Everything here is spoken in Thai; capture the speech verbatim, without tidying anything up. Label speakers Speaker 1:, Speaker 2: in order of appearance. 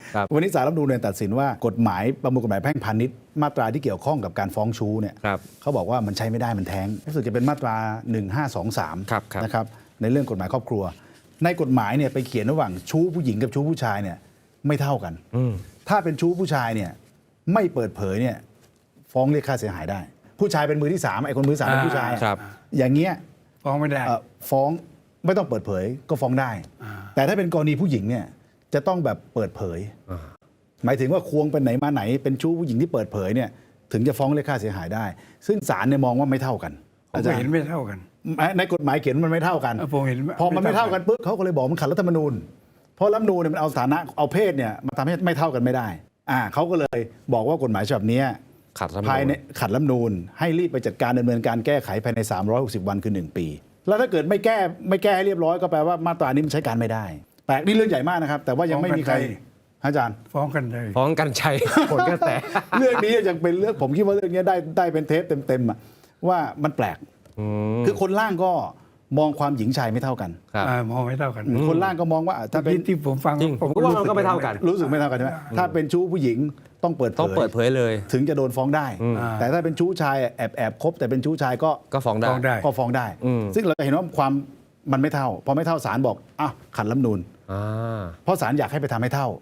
Speaker 1: วันนี้ศาลรัฐธรรมนูญเนี่ยตัดสินว่ากฎหมายประมวลกฎหมายแพ่งพาณิชย์มาตราที่เกี่ยวข้องกับการฟ้องชู้เนี่ยเขาบอกว่ามันใช้ไม่ได้มันแท้งรู้สึกจะเป็นมาตราหนึ่งห้าสองสามนะครับในเรื่องกฎหมายครอบครัวในกฎหมายเนี่ยไปเขียนระหว่างชู้ผู้หญิงกับชู้ผู้ชายเนี่ยไม่เท่ากันถ้าเป็นชู้ผู้ชายเนี่ยไม่เปิดเผยเนี่ยฟ้องเรียกค่าเสียหายได้ผู้ชายเป็นมือที่สามไอ้คนมือสามเป็นผู้ชายอย่างเงี้ย
Speaker 2: ฟ้องไม่ได้
Speaker 1: ฟ้องไม่ต้องเปิดเผยก็ฟ้องได้แต่ถ้าเป็นกรณีผู้หญิงเนี่ยจะต้องแบบเปิดเผยหมายถึงว่าควงไปไหนมาไหนเป็นชู้ผู้หญิงที่เปิดเผยเนี่ยถึงจะฟ้องเรียกค่าเสียหายได้ซึ่งศาลเนี่ยมองว่าไม่เท่ากัน
Speaker 2: อาจารย์เห็นไม่เท่ากัน
Speaker 1: ในกฎหมายเขียนมันไม่เท่ากันพอมันไม่เท่ากันปุ๊บเขาก็เลยบอกมันขัดรัฐธรรมนูญเพราะรัฐธรรมนูญเนี่ยมันเอาสถานะเอาเพศเนี่ยมาทำให้ไม่เท่ากันไม่ได้อ่าเขาก็เลยบอกว่ากฎหมายฉบับนี้ภายในขัดรัฐธรรมนูญให้รีบไปจัดการดำเนินการแก้ไขภายในสามร้อยหกสิบวันคือหนึ่งปีแล้วถ้าเกิดไม่แก้ไม่แก้ให้เรียบร้อยก็แปลว่ามาตรานี้มันใช้การไม่ได้แปลกนี่เรื่องใหญ่มากนะครับแต่ว่ายังไม่มีใครอาจารย์
Speaker 2: ฟ้องกันเลย
Speaker 3: ฟ้องกันชัยผลกระแส
Speaker 1: เรื่องนี้ยังเป็นเรื่องผมคิดว่าเรื่องนี้ได้ได้เป็นเทปเต็มๆว่ามันแปลกคือคนล่างก็มองความหญิงชายไม่เท่ากัน
Speaker 2: มองไม่เท่ากัน
Speaker 1: คนล่างก็มองว่าถ้าเป็น
Speaker 2: ที่ผมฟัง
Speaker 3: ผมก็ว่ามันก็ไม่เท่ากัน
Speaker 1: รู้สึกไม่เท่ากันใช่ไหมถ้าเป็นชู้ผู้หญิงต้องเปิดเผย
Speaker 3: ต้องเปิดเผยเลย
Speaker 1: ถึงจะโดนฟ้องได้แต่ถ้าเป็นชู้ชายแอบแอบคบแต่เป็นชู้ชายก็
Speaker 3: ก็ฟ้องได้
Speaker 1: ก็ฟ้องได้ซึ่งเราเห็นว่าความมันไม่เท่าพอไม่เท่าศาลบอกอ้าวขัดรัฐธรรมนูญเพราะศาลอยากให้ไปทำให้เท่า